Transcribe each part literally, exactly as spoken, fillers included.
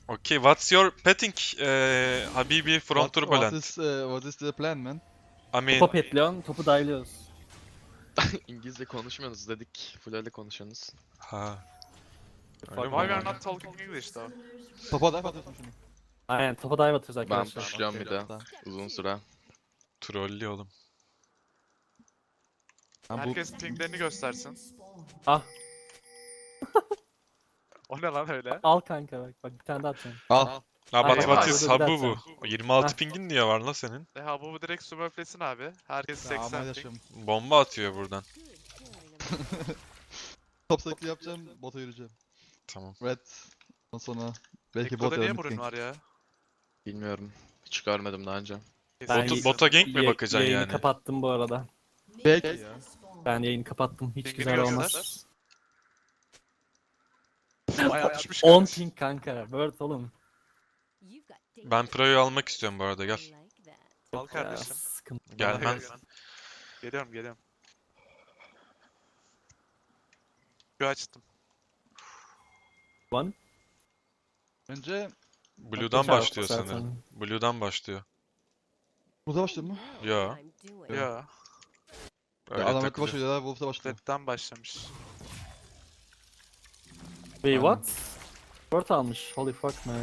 Okay, what's your petting, uh, Habibi from What, Turbulent? what is, uh, what is the plan, man? I mean, Topa petliyorsun, topu dive'liyoruz. İngilizce konuşmuyorsunuz dedik. Full öyle konuşuyorsunuz. ha. Öyle Fuck mi? Why we are man. not talking English though? Topa dive atıyorsun şunu. Aynen topa dive atıyoruz Ben arkadaşlar. pushluyorum bir de. Tamam. Uzun süre. Trollü oğlum. Ha, bu Herkes pinglerini göstersin. Ah. O ne lan öyle? Al kanka bak, bak bir tane daha atacağım. al. Ha, Aynen, but what aynen. is Burada bir Habibu? dakika. yirmi altı Heh. pingin diye var la senin. E ha bu direkt sumöflesin abi. Herkes Ya, seksen ama ping. yaşım. Bomba atıyor buradan. Top sekli yapacağım, bota yürüyeceğim. Tamam. Red. Ondan sonra belki bot Ekko'da niye ya da burun mid var ya? Bilmiyorum. Hiç görmedim daha önce. Ben Botu, y- bota gank mi Ye- bakacaksın yayını yani? kapattım bu arada. Belki ya. Ben yayını kapattım. Hiç Pingini güzel göster. olmaz. Bayağı düşmüş on kardeş. ping kanka. Word oğlum. Ben Pro'yu almak istiyorum bu arada, gel. Al Ya, kardeşim. sıkıntı. Gelmem. Geliyorum geliyorum. Bir açtım. One. Önce Blue'dan Çarpı başlıyor zaten. sanırım. Blue'dan başlıyor. burada başladın mı? Ya. Ya. Öyle Adam Red'de takılıyor. başlıyor ya, Wolf'da başlıyor. Red'den başlamış. Wait what? Word almış. Holy fuck man.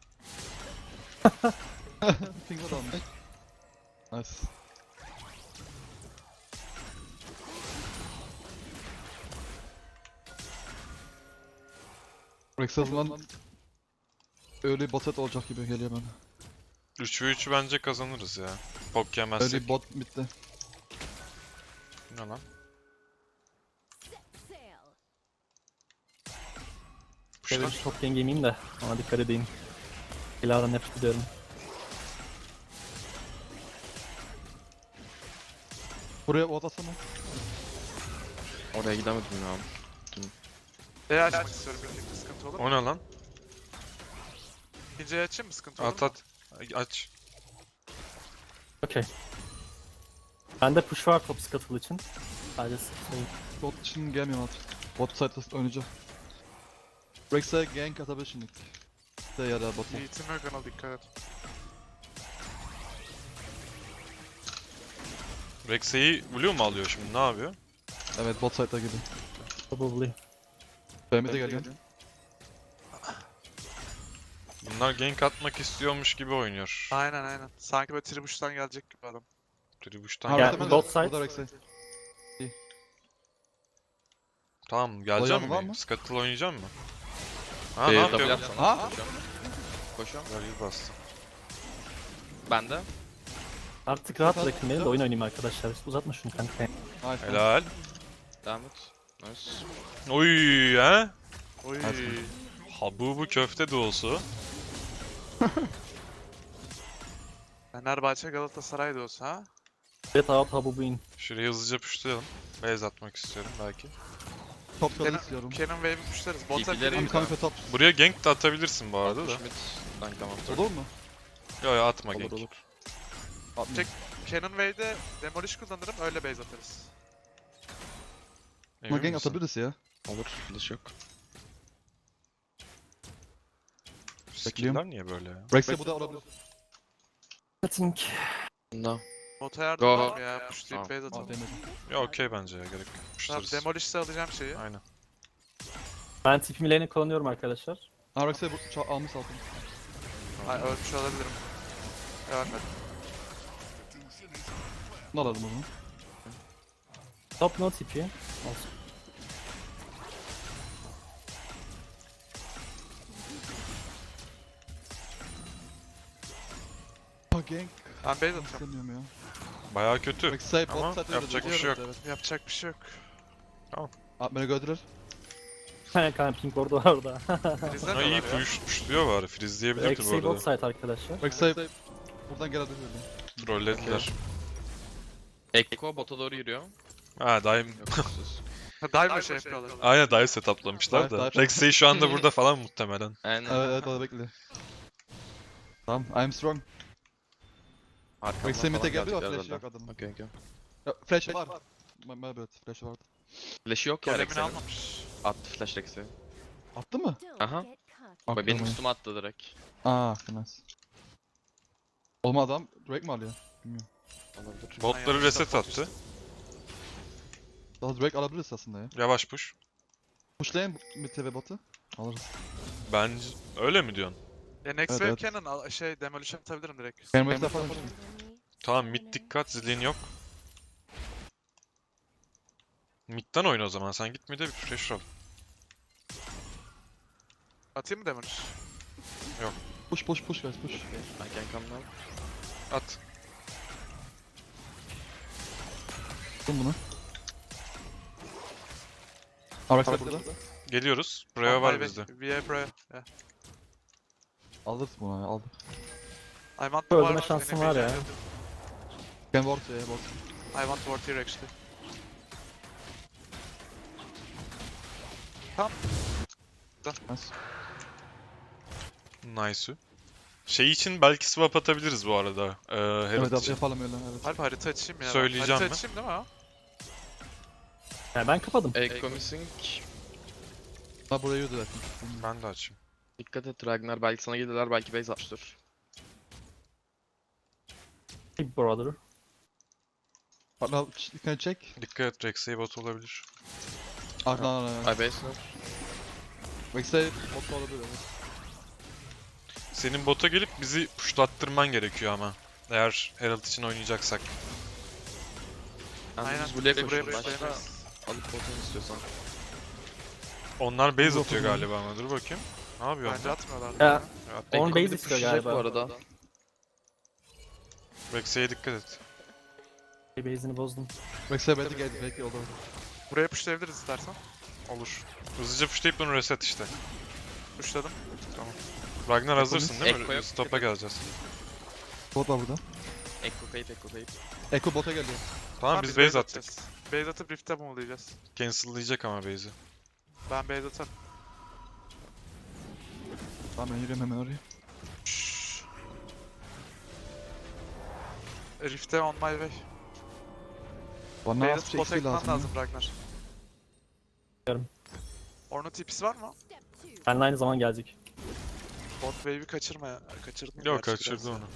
Finger almış. Nice. Rex o zaman öyle bot set olacak gibi geliyor bana. üç ve üçü bence kazanırız ya. Pok yemezsek. Öyle bot bitti. Ne lan? Şöyle Puşlar. bir top game yemeyeyim de ona dikkat edeyim. Silahdan nefret ediyorum. Buraya bot atsana. Oraya gidemedim ya. E açmak istiyorum birlikte sıkıntı olur mu? O ne lan? İkinciyi açayım mı sıkıntı olur At mu? at. Aç. Okey. Bende push var top scuttle için. Sadece şey, Bot için gelmiyorum artık. Bot site'da oynayacağım. Rex'e gank atabilir şimdi. De ya da bot'a. Yiğit'in Mögan'a dikkat et. Rex'e'yi Blue mu alıyor şimdi? Ne yapıyor? Evet, bot site'da gibi. probably. B M'de geliyor. Bunlar gank atmak istiyormuş gibi oynuyor. Aynen aynen. Sanki böyle tribuştan gelecek gibi adam. Tribuş'tan Ha, Gel, gel. Red'de mi? bot side. Burada Rex'e. Tamam, geleceğim Oynayalım, var mi? mı? Scuttle oynayacak mı? Ha, Ee, ne double yapıyor? yapsana. Ha? Koşuyorum. Koşuyorum. Ver bastı. Ben de. Artık rahat bırakın beni de oyun oynayayım arkadaşlar. Uzatma şunu kanka. Nice. Helal. Devam et. Nice. Oy ha? Oy. Habubu köfte doğusu. Fenerbahçe Galatasaray da olsa ha? Evet out habu in. Şuraya hızlıca puşlayalım. Base atmak istiyorum belki. Top kadar Kenan, istiyorum. Kenan Wave'i puşlarız. Bota İlgilerim biri I'm coming for top. Buraya gank de atabilirsin bu arada da. Schmidt. Tank tamam. Olur mu? Yo yo, atma Olur gank. olur. Çek. Kenan Wave'de Demolish kullanırım öyle base atarız. Ama Emin gank misin? atabiliriz ya. Olur. Flash yok. Skill'ler niye böyle ya? Rex'e bu da olabilir. Cutting. Bunda. Bota yardım Go. var mı ya? Pushlayıp Tamam. base Aa, atalım. değmedi. Ya okey bence ya, gerek yok. Tamam Puşlarız. Demolish'te alacağım şeyi. Aynen. Ben tipimi lane'e kullanıyorum arkadaşlar. Ha, Rex'e bu ça- almış altın. Ay ölmüş olabilirim. Ölmedim. Bunu alalım o zaman. Top no tipi. Olsun. Ha, gank. Ben base atıyorum. İstemiyorum ya. Bayağı kötü. Rex'e Ama bot site'da yapacak bir şey yok. Evet. Yapacak bir şey yok. Abi beni gördüler. Kanka ping orada var orada. Bizden Ha, de iyi var ya. push, pushluyor bari. Freeze'leyebilirdi bu Eksi bot arada. site arkadaşlar. Rex'e buradan gelebilir öyle. Trollediler. Ekko bota doğru yürüyor. Ha daim. Yok siz. Dive şey yapıyorlar. Aynen dive setuplamışlar Dive, da. dive. Rex'eyi şu anda burada falan muhtemelen. Aynen. Evet evet, o da bekle. Tamam, I'm strong. Arkamdan Rex'e falan mid'e geldi ama gelecekler flash yok zaten. adamın. Okey okey. Ya, flash var. My, my bad, flash vardı. Flash yok ya Golemini Rex'e. almamış. Attı flash Rex'e. Attı mı? Aha. Bak benim Aklıma- üstüme attı direkt. Aa, nice. Oğlum adam Drake mi alıyor? Bilmiyorum. Olabilir. Botları yanlış reset support attı. Daha Drake alabiliriz aslında ya. Yavaş push. Pushlayın mid T V botu. Alırız. Bence öyle mi diyorsun? Ya next Evet, wave evet. cannon al- şey demolition atabilirim direkt. Benim Rake'de yapalım şimdi. Tamam mid dikkat, zilin yok. Mid'den oyna o zaman, sen git mid'e bir pressure al. Atayım mı demolish? Push push push guys push. Ben can come now. At. Tutun bunu. Arax'a burada. Geliyoruz. Buraya var bizde. V A Brave. Yeah. Alırız bunu ya aldık. I want the Öldürme ward, şansın enemy var ya. jungle. Can ward ya ward. I want ward here actually. Nice. Nice. Şey için belki swap atabiliriz bu arada. Ee, Herald Evet yap- için. yapalım öyle evet. Harbi harita açayım ya. ben. Söyleyeceğim harita mi? açayım değil mi o? Yani ben kapadım. Echo missing. Ha burayı yürüdü zaten. Ben de açayım. Dikkat et Ragnar, belki sana gelirler, belki base atmıştır. Big brother. Partner dikkat çek. Dikkat et, Rex'e bot olabilir. Arkadan arkadan. I base no. Vex'e bot da olabilir evet. Senin bota gelip bizi pushlattırman gerekiyor ama. Eğer Herald için oynayacaksak. Yani Aynen. biz buraya Buraya koşuyoruz. buraya Başta koyamayız. alıp botunu istiyorsan. Onlar base Dur atıyor bakalım. galiba ama dur bakayım. Ne yapıyor Bence onlar? atmıyorlar. Ya. Ya. Evet, On Echo base bir de istiyor pushlayacak galiba. bu arada. Rex'e dikkat et. Base'ini bozdum. Vex'e belki geldi belki olur. Buraya pushlayabiliriz istersen. Olur. Hızlıca pushlayıp bunu reset işte. Pushladım. Ragnar hazırsın değil mi? Echo yok. Stop'a geleceğiz. Bot var burada. Echo kayıp, Echo kayıp. Echo bota geliyor. Tamam biz base attık. atacağız. Base atıp rift'e move'layacağız. Cancel'layacak ama base'i. Ben base atarım. Tamam ben yürüyorum hemen oraya. Şşş. Rift'e on my way. Bana Base az bir atıp şey bota eksiği gitmen lazım. lazım Ragnar. Yarım. Ornn tipisi var mı? Benle aynı zaman gelecek. Bot wave'i kaçırma ya. Kaçırdın mı? Yok gerçi kaçırdı biraz? onu.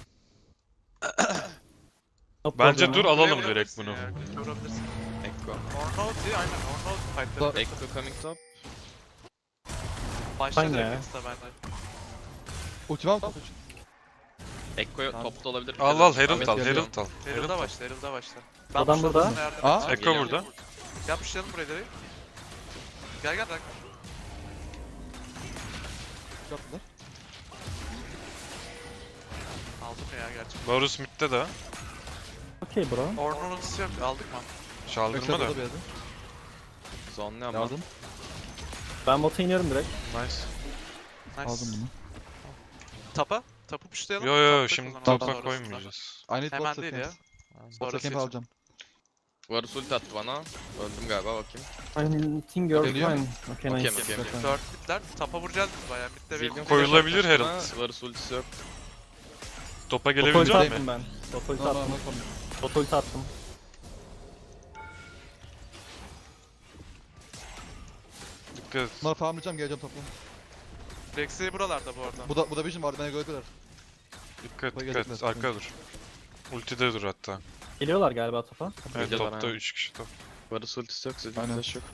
No Bence problem. dur Buraya alalım direkt vurabilirsin bunu. ya, buraya vurabilirsin. Echo. Ornn ulti aynen Ornn ulti fight'ları. Echo coming top. Başla Aynen direkt ya. insta bence. Ultimam top. Echo Tamam. topta olabilir. Al al Ahmet Herald al, geliyor. Herald al. Herald Herald'a al. başla, Herald'a başla. Adam pushlarım, burada. sana yardım Aa. edeceğim. Echo Geliyor. burada. Gel pushlayalım burayı direkt. Gel gel Ragnar. Yaptılar. Aldım ya gerçekten. Varus mid'de de. Okey bro. Ornn'un ultisi yok, aldık mı? Vex'e Çaldırma da. burada bir yerde. Zonlu ama. Yardım. Ben bota iniyorum direkt. Nice. Nice. Aldım bunu. Tapa? Tapu pushlayalım. Yo yo yo, Tapta şimdi kullanalım topa sonrasında. koymayacağız. I need Hemen bot değil ya. seconds. Bot Sonrası second için. alacağım. Varus ulti attı bana. Öldüm galiba, bakayım. I'm think you're Geliyor. fine. Okay Okey nice. mi, okey mi? Zaten. Dört bitler. Tapa vuracağız biz bayağı. Mid'de Zillion bir Koyulabilir flash attı Herald. bana, Varus ultisi yok. Topa Bota ulti gelebilecek mi? attım ben. Bota ulti No no attım. no problem. Bota ulti attım. Dikkat et. Bunları farmlayacağım geleceğim topla. Rex'i buralarda bu arada. Bu da bu da vision vardı beni gördüler. Dikkat Topa dikkat. gelecekler. Arkada dur. Ultide dur hatta. Geliyorlar galiba topa. Evet Geliyorlar, topta aynen. üç kişi top. Varus ultisi yok, Zillion Aynen. flash yok.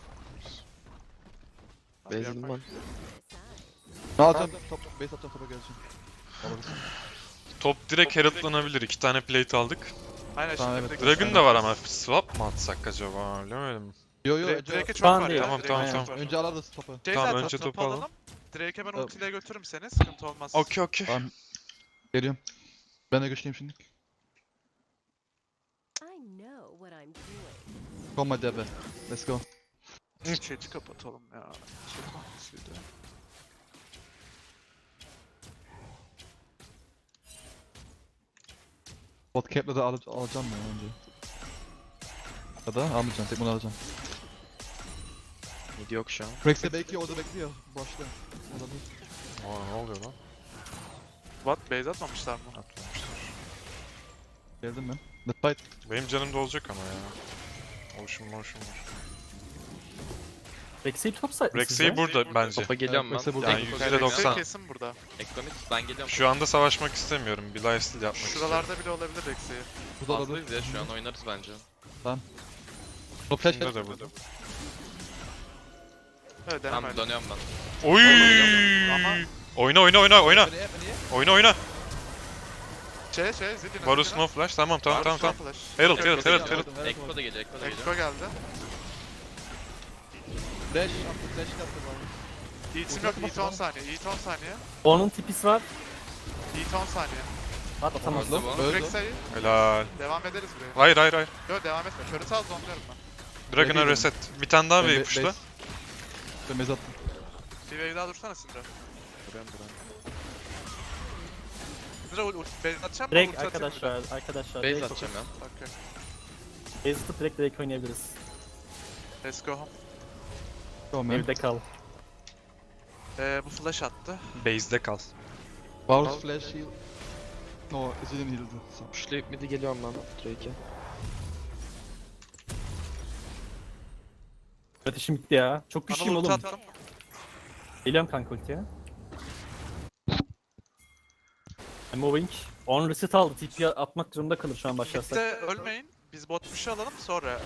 Hadi Base'in yapar. var. Ne alacağım? Top base atacağım topa geleceğim. Alırız. Top direkt Herald'lanabilir. İki tane plate aldık. Aynen Tamam, şimdi evet. direkt- Dragon da var ama swap mı atsak acaba? Bilemedim. Yo yo Direkt- önce Drake'e çok Şu an var değil. ya. Tamam, Drake'e tamam, çok tamam. var. önce alırız topu. Şey Tamam, zaten önce topu topu alalım. alalım. Drake'e ben Evet. ultiyle götürürüm seni. Sıkıntı olmaz. Okey okey. Tamam. Geliyorum. Ben de güçlüyüm şimdi. I know what I'm doing. Come my debe. Let's go. Chat'i kapatalım ya. Chat hangisiydi? Bot cap'le de al alacağım ya önce. Ya da almayacağım. Tek bunu alacağım. Mid yok şu an. Rex'e belki orada bekliyor. Başta. Olabilir. Aa, ne oluyor lan? What? Base atmamışlar mı? Atmamışlar. Geldim ben. Let's fight. Benim canım da olacak ama ya. Motion motion var. Rex'i top side mi Rex'e sizce? burada bence. Topa geliyorum Evet, ben. Rex'e burada. Yani Ekko yüzde geliyor. doksan. Rex'e kesin burada. Ekko mid. Ben geliyorum. Şu anda savaşmak istemiyorum. Bir lifesteal yapmak istiyorum. Şuralarda bile olabilir Rex'i. Bu da olabilir. Fazlayız ya şu an oynarız bence. No flash Şimdi flash. de burada. Evet deneme Tamam öyle. dönüyorum ben. Oy! Ama- Oyna oyna oyna oyna. Beni, beni. Oyna oyna. Şey şey Zillion'a. Varus no flash. Tamam tamam tamam tamam. Herald Herald Herald Herald. Ekko da geliyor. Ekko da geliyor. Ekko geldi. Flash yaptı, flash yaptı bana. Yiğit'im yok. Yiğit on saniye. Yiğit on saniye. Onun tipisi var. Yiğit on saniye. At atamaz. Öldü. bu. Öldü. Rex'e Helal. devam ederiz buraya. Hayır hayır hayır. Yok devam etme. Körü sağ zonluyorum ben. Dragon'a Bebeğim. reset. Bir tane daha Ben wave be- pushla. base- Ben base attım. Bir wave daha dursana Syndra. Duruyorum duruyorum. Syndra ult ult base atacağım mı? Direkt Ulti atayım mı bir arkadaşlar, arkadaşlar. Base direkt atacağım ya. daha? Okey. Base atıp direkt direkt oynayabiliriz. Let's go home. Tamam ben. Evde kal. Ee, bu flash attı. Base'de kal. Varus flash heal. No, Zillion heal'dı. Pushlayıp mid'i geliyorum ben. Drake'e. Ateşim bitti ya. Çok güçlüyüm Anıl ulti oğlum. attım. Geliyorum kanka ultiye. I'm moving. On reset aldı. T P atmak zorunda kalır şu an başlarsak. Mid'de ölmeyin. Biz bot push'u alalım sonra.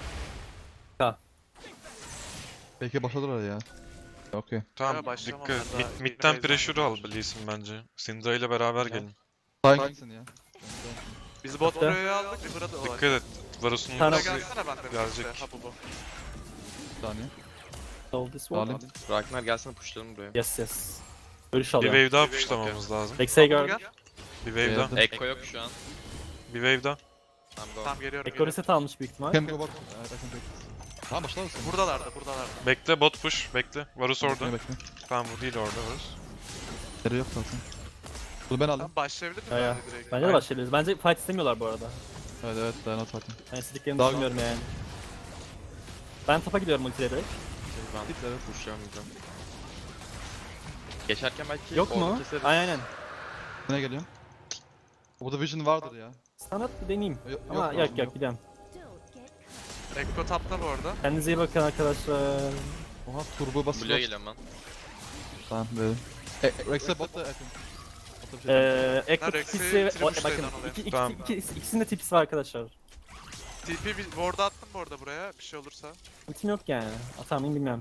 Belki başladılar ya. Okey. Tamam Ya başlamam dikkat. ben Mid, daha. mid'den Base'den pressure al gidiyoruz. Lee'sin bence. Syndra ile beraber gelin. Saygınsın ya. Biz bot Hatta- oraya aldık. Bir burada Dikkat var. et. Varus'un Tane- Buraya gelsene ben de. Gelecek. Ha bu bu. Bir saniye. Solve this one. Alayım. Ragnar gelsene pushlayalım buraya. Yes yes. Görüş bir alıyorum. wave daha Bir wave, pushlamamız lazım. Rex'e Gel. gördüm. Bir wave daha. Geldim. Ekko yok şu an. Bir wave daha. Tamam go. Tamam geliyorum. Ekko geliyorum. reset almış büyük ihtimal. Can go back. Evet, I can take this. Tamam başlar mısın? Buradalarda buradalarda. Bekle bot push. Bekle. Varus orada. Bekle, bekle. Tamam bu değil orada Varus. Yeri yok zaten. Bunu ben aldım. Tamam başlayabilir miyim Ya ya. ben de direkt? Bence de başlayabiliriz. Bence fight istemiyorlar bu arada. Evet evet dayanat zaten. Ben istediklerini Daha- düşünmüyorum yani. Ben topa gidiyorum ultiyle direkt. Ben Evet. pushlayalım mid'e. Geçerken belki Yok orada mu? keseriz. Aynen aynen. Ne geliyorum? Burada vision vardır ya. Sanat bir deneyeyim. Yok, Ama yok, yok yok. yok gidiyorum. Don't get Ekko tapta bu arada. Kendinize iyi bakın arkadaşlar. Oha turbo basıyor. Blue'ya geliyorum ben. Tamam böyle. E, Rex'e bot da yakın. Bota bir şey Eee Ekko Ha, Rex'i tipisi ve... O, triple bakın şeyden iki, iki, Tamam. iki, ikisinin de tipisi var arkadaşlar. T P bir ward attım bu arada buraya. Bir şey olursa. Ultim yok yani. Atar mıyım bilmiyorum.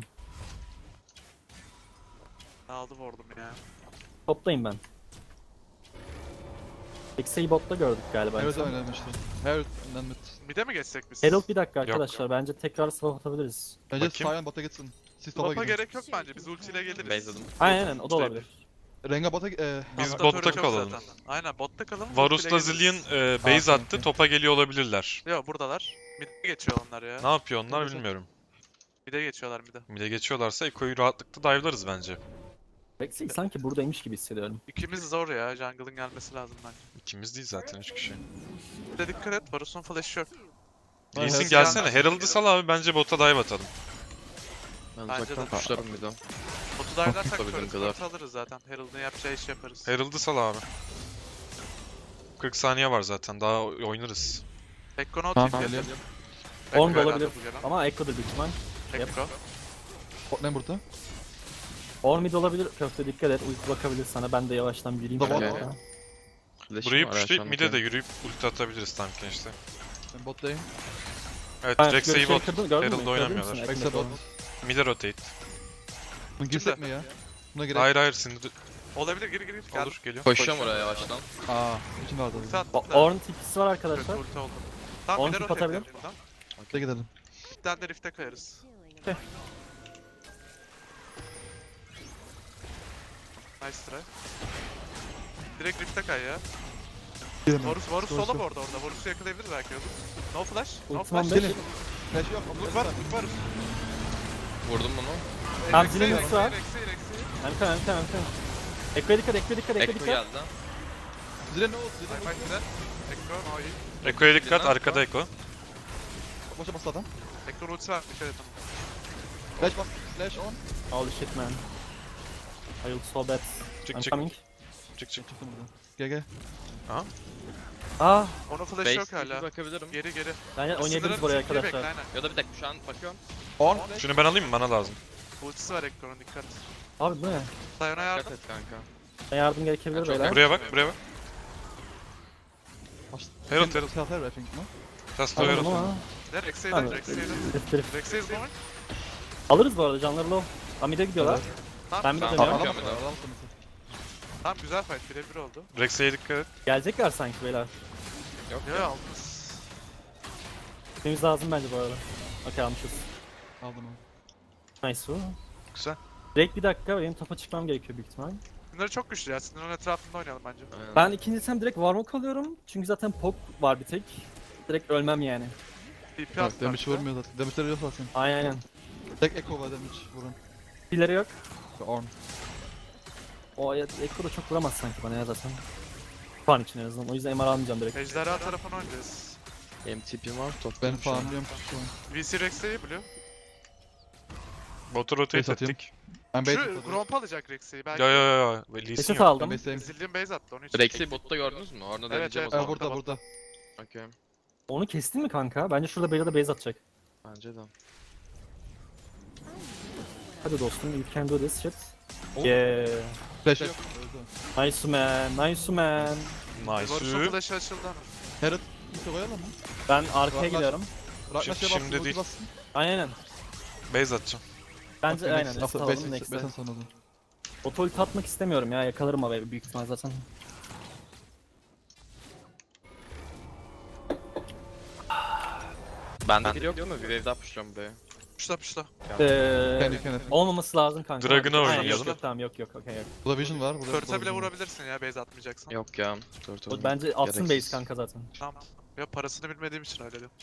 Ne aldı ward'um ya. Toplayayım ben. X'i botta gördük galiba. Evet en son. oynamıştı. Her önden mid. Mid'e mi geçsek biz? Herald bir dakika Yok. arkadaşlar. Bence tekrar swap atabiliriz. Bence Bakayım. Sion bota gitsin. Siz topa Topa gidin. gerek yok bence. Biz ultiyle geliriz. Base'ladım. Aynen aynen o da olabilir. Renga bota e, Biz Tapta botta turret yok kalalım. zaten. Aynen botta kalalım. Varus'la ultiyle Zillion geliriz. e, base Aa, attı. okey. Topa geliyor olabilirler. Yok buradalar. Mid'e geçiyor onlar ya. Ne yapıyor onlar Güzel. bilmiyorum. Mid'e geçiyorlar mid'e. Mid'e geçiyorlarsa Ekko'yu rahatlıkla dive'larız bence. Rex'i sanki buradaymış gibi hissediyorum. İkimiz zor ya. Jungle'ın gelmesi lazım bence. İkimiz değil zaten üç kişi. Bir de dikkat et. Varus'un flash'ı yok. Ay, Lee'sin Herald gelsene. gelmez. Herald'ı sal abi bence bota dive atalım. Ben Bence uzaktan de. pushlarım mid'e. Botu dive'larsak Tutabildiğim turret kadar. alırız zaten. Herald'ın yapacağı işi yaparız. Herald'ı sal abi. kırk saniye var zaten. Daha oy- oynarız. Ekko no Tamam, T P. geliyorum. Ekko On da herhalde olabilir. bu gelen. Ama Ekko'dur büyük ihtimal. Ekko. Bot ne burada? On mid olabilir. Köfte dikkat et. Ulti bakabilir sana. Ben de yavaştan yürüyeyim. Tamam. şöyle. Okey. Flash'im Burayı var pushlayıp aşağıdaki. mid'e de yürüyüp ulti atabiliriz Tank'e işte. Ben bottayım. Evet Ha, Rex'e görüşleri bot. kırdın, gördün mü? Herald Gördün oynamıyorlar. müsün? Rex'e Ekmek bot. olan. Mid'e rotate. Bunu girsek mi ya? Buna gerek. Hayır hayır Syndra Olabilir gir gir gir. Gel. olur geliyor. Koşuyorum oraya yavaştan. Aa, için vardı. Ulti attım O- da. Ornn tipisi var Kötü arkadaşlar. ulti oldu. Tamam On bir de tip rotate atabilir. edelim buradan. Hadi gidelim. Mid'den de rift'e kayarız. chilling. Nice try. Direkt rift'e kay ya. Gidelim. Varus, Varus Doğru, sola doğru. bu arada orada. Varus'u yakalayabiliriz belki olur. No flash. No Ultim on flash. beş. Gelin. Flash yok. Look var, look var. Vurdum bunu. Tamam, Rex'i, zilin Rex'i, ultisi var. Rex'i, Rex'i. Hem kan hem kan hem kan. Ekko'ya dikkat, Ekko'ya dikkat, Ekko'ya Ekko dikkat. geldi. Zile ne oldu? Zile High ne five oldu? güzel. Ekko, no iyi. Ekko'ya dikkat Zillion arkada Ekko. Boşa bastı adam. Ekko ultisi var, dikkat et ona. Flash bas. Flash on. Holy shit man. I will so bad. Çık I'm çık coming. çık çık. Çıktım buradan. Gel gel. Ah, Onun flash'ı Base yok tipi hala. bakabilirim. Geri geri. ben oynayabiliriz Sınırın buraya tipiyle bekle, arkadaşlar. aynen. Ya da bir dakika şu an bakıyorum. On. Flash. Şunu ben alayım mı? Bana lazım. Ultisi var Ekko'nun, dikkat. Abi bu ne? Sayona Dikkat yardım. et kanka. Yardım gerekebilir Çok beyler. Buraya bak, buraya bak. Herald, Herald. Self Herald I think no? Just Anladım Herald. ama. Ne? Rex'e Tamam. yedin, Rex'e yedin. Herif, herif. Rex'e yedin ama. Alırız bu arada, canları low. Amide gidiyorlar. Tamam, Ben bir tamam. de Tamam. dönüyorum. Bakıyorum Alamaz bir de. alamaz alamaz. Tamam, güzel fight, birebir oldu. Rex'e dikkat et. Gelecekler sanki beyler. Yok Yo ya. yo, aldınız. Gitmemiz lazım bence bu arada. Okey almışız. Aldım onu. Nice bu. Güzel. Direkt bir dakika, benim topa çıkmam gerekiyor büyük ihtimal. Bunları çok güçlü ya, Sinir'in etrafında oynayalım bence. Aynen. Ben ikinci item direkt Warlock alıyorum. Çünkü zaten Pok var bir tek. Direkt ölmem yani. T P Bak attı. damage vurmuyor zaten. Damage'leri yok zaten. Aynen aynen. Tek Echo var damage vurun. Pilleri yok. Ve Ornn. O ya- Ekko da çok vuramaz sanki bana ya zaten. Şu an için en azından. O yüzden M R almayacağım direkt. Ejderha tarafına oynayacağız. Benim tipim var. Top Ben farmlıyorum şu an. V C Rex'e biliyor. Botu rotate Base atayım. ettik. Ben bait Şu atıyorum. Gromp alacak Rex'i. Belki Yo yo yo yo. Lee Sin Reset yok. Ben aldım. base'teyim. Zillion base attı onun için. Rex'i botta gördünüz mü? Orada Evet, deneyeceğim evet. o Ee, zaman. burada burada. Okey. Onu kestin mi kanka? Bence şurada Beyza da base atacak. Bence de. Hadi dostum, you can do this shit. Oh. Yeah. Flash yok. Öldü. Nice man, nice man. Varus'un Nice. flash'ı açıldı ama. Herald ulti koyalım mı? Ben arkaya Var- gidiyorum. Ragnash'a Şimdi bassın, ulti değil. bassın. Aynen aynen. Base atacağım. Bence Okay, aynen. next. Reset After alalım base- next'e. base sonra da. Otolit atmak istemiyorum ya. Yakalarım abi büyük ihtimal zaten. Bende biri yok değil mi? Bir wave daha pushluyorum buraya. Puşla puşla. Eee Kendi kendine. olması lazım kanka. Dragon'ı Aynen, oynayalım. Yok, yok, tamam yok yok okey yok. Burada vision var. Burada Turtle'a burada bile vision var. vurabilirsin ya base atmayacaksan. Yok ya. Turtle. O bence atsın Gereksiz. base kanka zaten. Tamam. Ya parasını bilmediğim için öyle diyorum.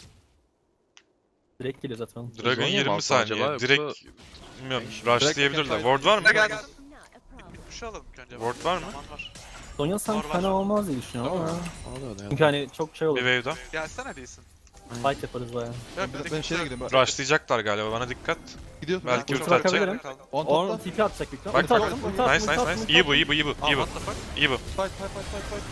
Direkt geliyor zaten oğlum. Dragon Zonya mı yirmi alsam saniye. acaba, yoksa- Direkt bilmiyorum. Direkt Rushlayabilirler. fight- Ward var mı? Ne geldi? Not a problem. Bir push alalım ilk önce. Ward var mı? Zaman var. Sonya sanki Var, var. fena olmaz diye düşünüyorum ama. Ona da öyle Çünkü hani çok şey Bir olur. wave daha. Gelsene değilsin. Fight yaparız baya. Yok, Ben, dedik ben bir şeye şey gideyim. Rushlayacaklar galiba. Bana dikkat. Gidiyorsun. Belki Ben- ulti bakabilirim. atacak. On Onun topla. T P atacak büyük ihtimal. Bak, Ulti bak. attım, ulti attım, Nice ulti nice attım, nice. ulti İyi bu attım. iyi bu iyi bu. Aa, İyi bu. what the fuck? İyi bu. Fight fight fight fight fight.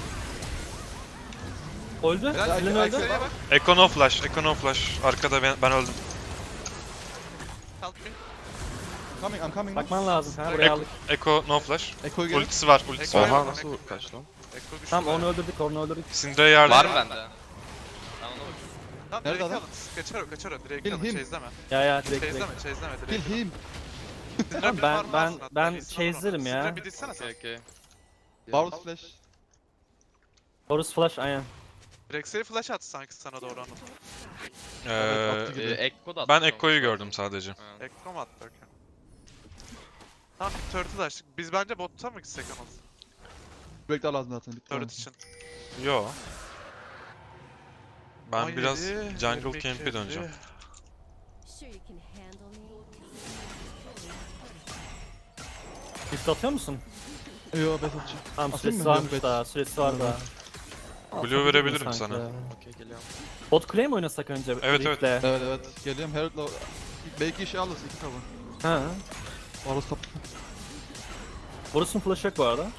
Öldü. Helal, Flynn helal, öldü. Rex'e bak. Echo no flash. Echo no flash. Arkada ben, ben öldüm. Help me. Coming I'm coming. Bakman lazım kanka. Buraya aldık. Echo no flash. Echo'yu gel. Ultisi var. Ultisi Echo- var. Oha nasıl kaç lan? Ekko güçlü. Tamam onu bayağı. öldürdük, onu öldürdük. Syndra'ya yardım. Var mı bende? Ben ona bakıyorum. Tamam, Nerede direkt adam? alın. Kaçar o, kaçar o. Direkt Kill alın, him. chase'leme. Ya ya direkt direkt. Chase'leme, chase'leme. Kill Direkt alın. him. Syndra Tamam, bir ben- farm ben- alsın hatta, ben bir sana onu. chase'lerim ya. Syndra bir ditsene sen. Okey okey. Varus flash. Horus flash aynen. Rex'e flash attı sanki sana doğru onu. Evet, Ee, attı gibi. Ee, Ekko da ben atmış Echo'yu olması gördüm lazım. sadece. Ha. Ekko mu attı? Okey. Tamam, bir turtle açtık. Biz bence botta mı gitsek ama? Break daha lazım zaten. Bitti. Turret için. Yo. Ben on yedi, biraz jungle yirmi iki, camp'e döneceğim. elli. Sure you can handle me. Shift atıyor musun? Yo base atacağım. Tamam Atayım süresi mı? varmış Yok, daha, süresi var daha. Blue Atabilirim verebilirim sanki sana. ya. Okey geliyorum. Bot kuleye mi oynasak önce? Evet, evet. Rift'le? Evet evet. Geliyorum. Herald'la belki işe alırız iki cover. Ha. Varus top. Horus'un flash'ı yok bu arada.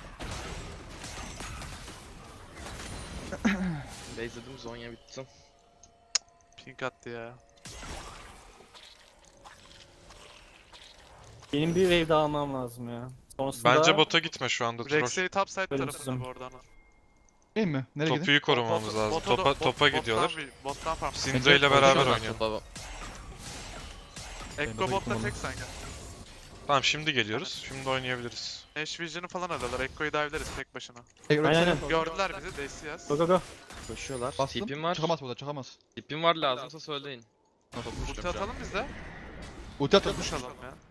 Base'ledim Zonya bitti. Pink attı ya. Benim bir wave daha almam lazım ya. Sonrasında Bence bota gitme şu anda Troll. Rex'e top side Ölümsüzüm. tarafında bu arada ana. Değil mi? Nereye gideyim? Topuyu korumamız lazım. Bota da- Topa, bot- topa bottan gidiyorlar. bir- Bottan farm. Syndra ile Bence- beraber Bence- oynuyor. Topa Ekko Bota botta gittim tek sanki. Tamam şimdi geliyoruz. Şimdi oynayabiliriz. Ash Vision'ı falan alıyorlar. Ekko'yu dive'leriz tek başına. Hey, Aynen, aynen. Gördüler bizi. Daisy yaz. Go go go. koşuyorlar. Bastım. Tipim var. Çıkamaz burada çıkamaz. Tipim var lazımsa söyleyin. Ulti atalım biz de. Ulti atalım. Push alalım ya.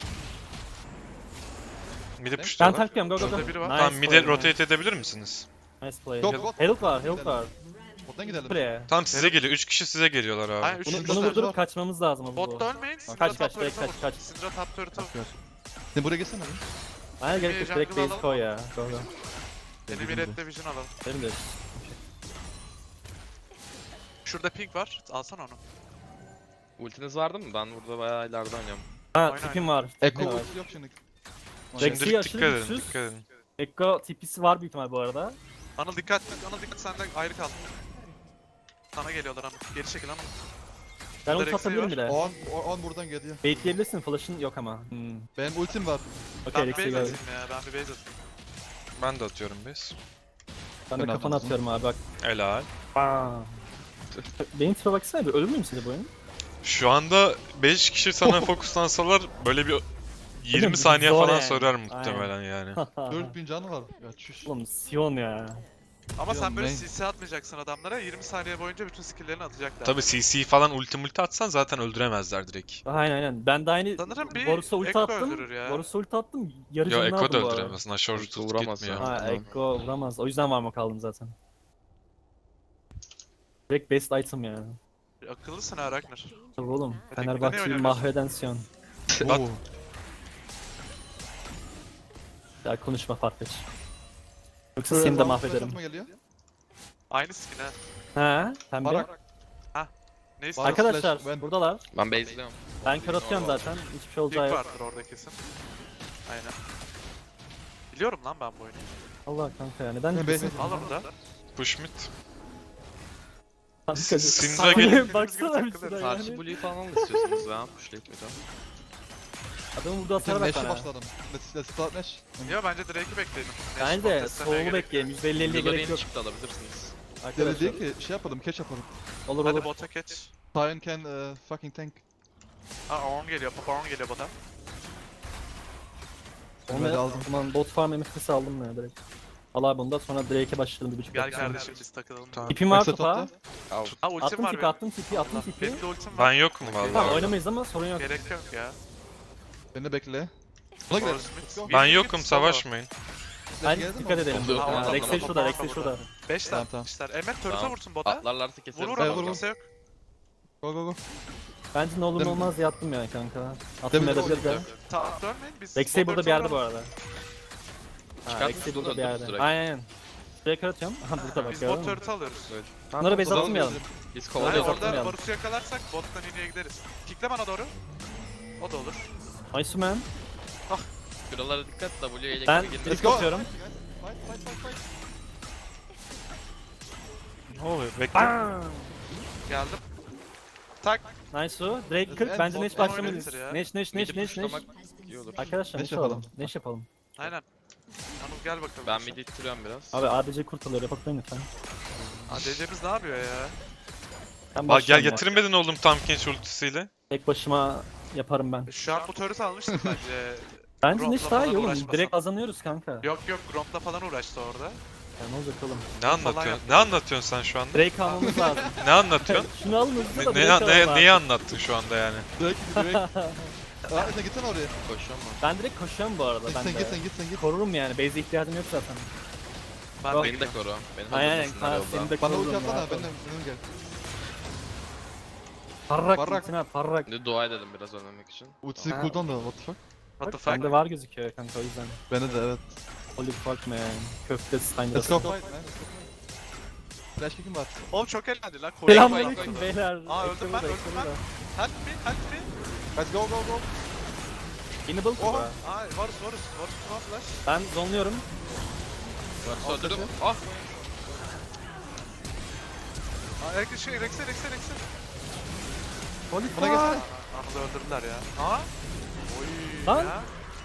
Mid'i Ben pushluyorlar. tanklıyorum go go go. Şurada biri var. Nice Tamam mid'e play, rotate edebilir misiniz? Nice play. Yok, yok. Herald var, Herald var. Bottan gidelim. Play. Tamam size geliyor. üç kişi size geliyorlar abi. Aynen Bunu, üçüncü bunu Şurada- vurdurup kaçmamız lazım ama bu. Botta ölmeyin. Syndra Kaç, top kaç, turret'a direkt vur. kaç, kaç. Syndra top turret'a vur. Bak gör. Sen buraya geçsene abi. Aynen gerek yok, direkt Jungle base alalım. koy ya. Go go. Yeni bir redde vision alalım. Benim de. Şurada pink var. Alsana onu. Ultiniz vardı mı? Ben burada bayağı ileride oynuyorum. Ha Oyna, tipim var. Echo tipim var. ulti yok şimdi. Rex'i Şimdilik aşırı dikkat edin. güçsüz. Dikkat edin. Ekko tipisi var büyük ihtimal bu arada. Anıl dikkat. Anıl dikkat. Senden ayrı kal. Sana geliyorlar Anıl. Geri çekil Anıl. Ben Burada ult atabilirim Rex'i bir de. On, on buradan geliyor. Baitleyebilirsin, flash'ın yok ama. Hmm. Benim ultim var. Okey, Ben bir Rex'i base gördüm. atayım ya. Ben bir base atayım. Ben de atıyorum biz. Ben de Ben kafana atmadım. atıyorum abi bak. Helal. Bam. Benim tipe baksana bir, ölür müyüm size bu oyun? Şu anda beş kişi sana fokuslansalar böyle bir yirmi Oğlum, saniye zor falan yani. sorar muhtemelen yani. dört bin canı var. Ya çüş. Oğlum Sion ya. Ama sen böyle main. C C atmayacaksın adamlara. yirmi saniye boyunca bütün skill'lerini atacaklar. Tabi C C falan ulti multi atsan zaten öldüremezler direkt. Aynen aynen. Ben de aynı Sanırım bir Varus'a ulti Ekko attım. öldürür ya. Varus'a ulti attım. Yarı Yo canını Ekko da aldım bu arada. öldüremez. Nashor Ulti tut vuramaz gitmiyor. ya. Ha Tamam. Ekko vuramaz. O yüzden varma kaldım zaten. Direkt best item yani. Akıllısın ha Ragnar. Tabii oğlum. Hadi Fenerbahçe'yi oynamıyorsun. mahveden Sion. Bak. Oo. Ya konuşma Farfetch. Yoksa Şöyle seni de flash mahvederim. atma geliyor. Aynı skin ha. Ha, pembe. Barak. Neyse. Barak. Arkadaşlar Flash, ben- buradalar. Ben base'liyorum. Ben kör atıyorum zaten. Hiçbir şey olacağı Pik yok. vardır orada kesin. Aynen. Biliyorum lan ben bu oyunu. Allah kanka ya neden Ben kesin? base- Al onu da. Push mid. Kanka, Syndra Syndra gelip- baksana bir Takılırız. şuraya Karşı yani. Blue'yu falan mı istiyorsunuz ya? Pushlayıp bir daha. Adamın burada Sen hasara bak Nash'e bana. başladım. Let's, let's start Nash. Ya bence Drake'i bekleyelim. Bence de soğuğu bekleyelim. yüz elli elliye Blue'da gerek yeni yok. çıktı alabilirsiniz. Deli Arkadaşlar. değil ki şey yapalım, catch yapalım. Olur Hadi olur. bota geç. Sion can uh, fucking tank. Aa on geliyor. Papa on geliyor bota. Ben de Onu aldım. Aman bot farm M F P'si aldım ya direkt. Al abi bunda sonra Drake'e başladım bir buçuk Gel dakika. kardeşim biz takılalım. Tamam. Tipim var Reset topa. attı. Al. Ha ultim Attım var tipi benim. attım tipi attım tipi. Benim de ultim Ben var. yokum Tamam vallahi. oynamayız ama sorun yok. Gerek yok ya. Beni bekle. Buna gidelim. Force mid. Let's go. Ben Mid, yokum mid, solo. savaşmayın. Hadi Geldin mi? dikkat edelim. Oldu. Ha, Tamam, Rex'e tamam, şurada tamam, Rex'e tamam. şurada. beş Tamam, tane tamam. işler. Emmet turret'a Tamam. vursun bota. Atlarlarsa keseriz. Vurur Evet, ama vurur. kimse yok. Go go go. Bence ne olur ne Dem- olmaz diye attım ya kanka. Attım Demin edebilir de. oynadım. Ta dönmeyin biz. Rex'e burada bir yerde bu arada. arada. Ha, Çıkartmış Rex'e bunu burada bir öldürürüz yerde. direkt. Aynen aynen. Şuraya kör atıyorum. Aha burada bak Biz gördün bot mü? turret'ı alıyoruz. Bunları base Tamam, atmayalım. Biz Hayır Kovalıyoruz, kovalıyoruz. orada atmayalım. Varus'u yakalarsak bottan iniye gideriz. Pikle bana doğru. O da olur. Nice man. Şuralara dikkat W'ye ile Ben gibi girdi. direkt atıyorum. Fight fight fight fight. Ne oluyor? Bekle. Bam! Geldim. Tak. Nice o. Drake kırk. En Bence bot- Neş en başlamalıyız. oynatır ya. Neş Neş Neş Midi Neş Neş. pushlamak iyi olur. Arkadaşlar Neş Neş yapalım. yapalım. Neş yapalım. Aynen. Anıl gel bakalım. Ben midi ittiriyorum biraz. Abi A D C kurtuluyor. Yapatmayın lütfen. A D C'miz ne yapıyor ya? Ben Bak gel başlıyorum ya. getirmedin oğlum tam genç ultisiyle. Tek başıma yaparım ben. Şu an bu turret'ı almıştım bence. Bence Gromp'la Neş daha iyi falan oğlum. uğraşmasam. Direkt kazanıyoruz kanka. Yok yok Gromp'la falan uğraştı orada. Ya ne olacak oğlum? Ne anlatıyorsun? Ne anlatıyorsun sen şu anda? Drake almamız lazım. Ne anlatıyorsun? Şunu alın hızlı da ne, Drake ne, alalım ne, abi. neyi anlattın şu anda yani? Direkt direkt. Aa sen gitsene oraya. Koşuyorum ben. Ben direkt koşuyorum bu arada. Ben Sen de. git sen git sen git. Korurum yani. Base'e ihtiyacım yok zaten. Ben Yok. de Beni de koru. Beni de Aynen aynen. öldürmesinler Kaan yolda. seni de Bana ulti korurum atsana ya. benimle benimle gel. Parrak. Parrak. Parrak. Parrak. Şimdi dua edelim biraz ölmemek için. Ultisi Ha. cooldown da what the fuck. What the Bak fuck? bende var gözüküyor kanka o yüzden. Bende de evet. Holy fuck man. Köfte Steiner. Let's go fight man. Let's go fight. Flash kick'im var. Oğlum çok eğlendi lan. Koyun. Selamünaleyküm beyler. Aa, öldüm Ekranı ben, da, öldüm ekranı ben. da. Help me, help me. Let's go go go. Enable Oha. Oha. Ay Varus Varus. Varus ne flash? Ben zonluyorum. Varsa öldürdüm. Ah! Aa Rex'e şey Rex'e Rex'e Rex'e. Holy Bana gelsene. Anıl'ı öldürdüler ya. Aa. Oy. Lan. Ya.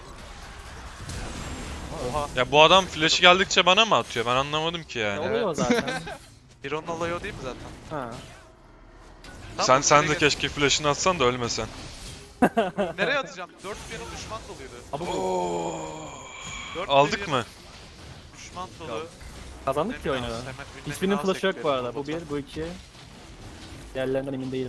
Oha. Ya bu adam flash'ı geldikçe bana mı atıyor? Ben anlamadım ki Ne yani. oluyor zaten? Hero'nun olayı o değil mi zaten? ha. Tamam, Sen sen nereye de gel- keşke flash'ını atsan da ölmesen. Nereye atacağım? dört milyon düşman doluydu. Abi bu dört Aldık milyon mı? Düşman dolu. kazandık ki oyunu. Hemen ünlemini Hiçbirinin al flash'ı yok bu sektirelim arada. Bu bota. bir, bu iki. Diğerlerinden emin değilim.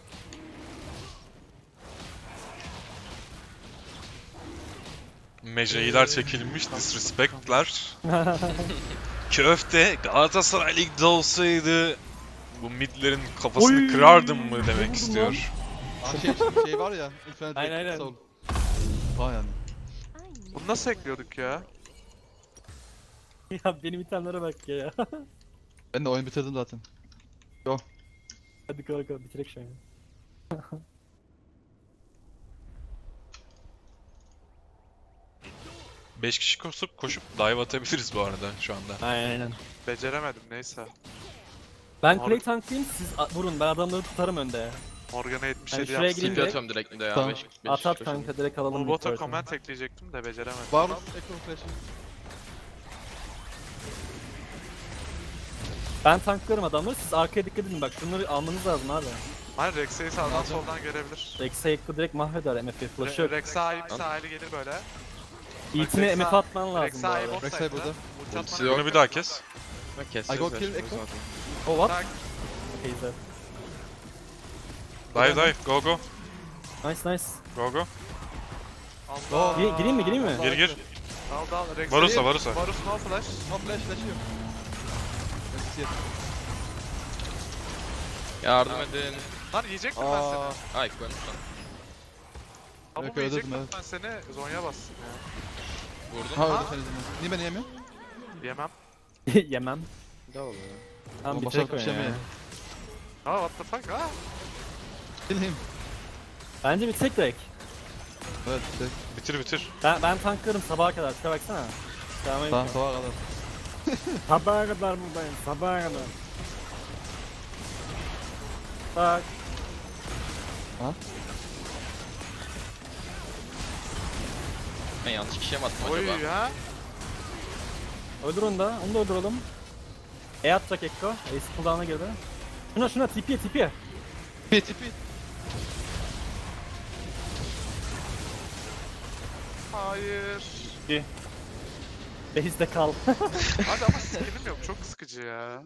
Mecailer çekilmiş, disrespectler. Köfte Galatasaray Lig'de olsaydı bu midlerin kafasını Oy! kırardım mı Ne demek vurdun istiyor. Aa şey şey var ya. Infinite Aynen, aynen. Soul. Aa yani. I know. Bunu nasıl ekliyorduk ya? Ya benim itemlere bak ya. Ben de oyun bitirdim zaten. Hadi kanka bitirek şu an. beş kişi koşup koşup dive atabiliriz bu arada şu anda. Aynen aynen. Beceremedim neyse. Ben Abi- play tanklayayım siz a- vurun ben adamları tutarım önde. Morgana yetmiş Yani yedi şuraya yapsın. gireyim Tipi direkt. atıyorum direkt bir de ya. Tamam. beş, beş, At at beş kanka direkt alalım. Bu mid bota version'ı. comment ekleyecektim de beceremedim. Varus Echo Flash'ı. Ben tanklarım adamları, siz arkaya dikkat edin bak, şunları almanız lazım abi. Hayır Rex'e sağdan Alacağım. soldan görebilir. Rex'e Ekko direkt mahveder M F flash'ı Re yok. Rex sahip sahili gelir böyle. İltine Rex'e- M F atman lazım Rex bu sahip arada. bot Rex side'da. burada. Ulti Ultisi atmana yok. Bunu bir daha kes. Ve I keseceğiz go ya kill şimdi Echo. zaten. Oh what? Tak. Okay, güzel. Dive dive. Go go. Nice nice. Go go. Allah. Gir- gireyim mi, gireyim mi? Gir gir. Al dal. Rex Varus'a Varus'a. Varus no flash. No flash flash'ı yok. Yes, yes. Yardım edin. Lan yiyecek mi ben seni? Aa, Ay koymuş lan. Ama Yok, bu yiyecek öldürdüm, mi evet. ben seni? Zonya bassın ya. Vurdun. ha Ha. öldü sen izin. Niye beni yemiyor? Yemem. Yemem. Ne oluyor? Tamam Oğlum, bitirek başarılı bir şey oyunu mi ya. Ha what the fuck ha? Kill him. Bence bitirek direkt. Evet işte. Bitir bitir. Ben, ben tanklarım sabaha kadar, şuna baksana. Tamam. Tamam sabaha kadar. Sabaha kadar buradayım, sabaha kadar. Bak. Ben yanlış kişiye mi attım Oy acaba? ya. Öldür onu da, onu da öldürelim. E atacak Ekko, Ace cooldown'a girdi. Şuna şuna tipiye tipiye. Tipi tipi. Hayır. Base'de kal. Abi ama skillim yok. Çok sıkıcı ya.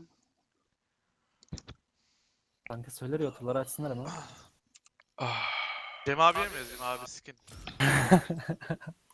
Kanka söyler ya, oturları açsınlar ama. Ah. Cem abiye mi yazayım abi skin?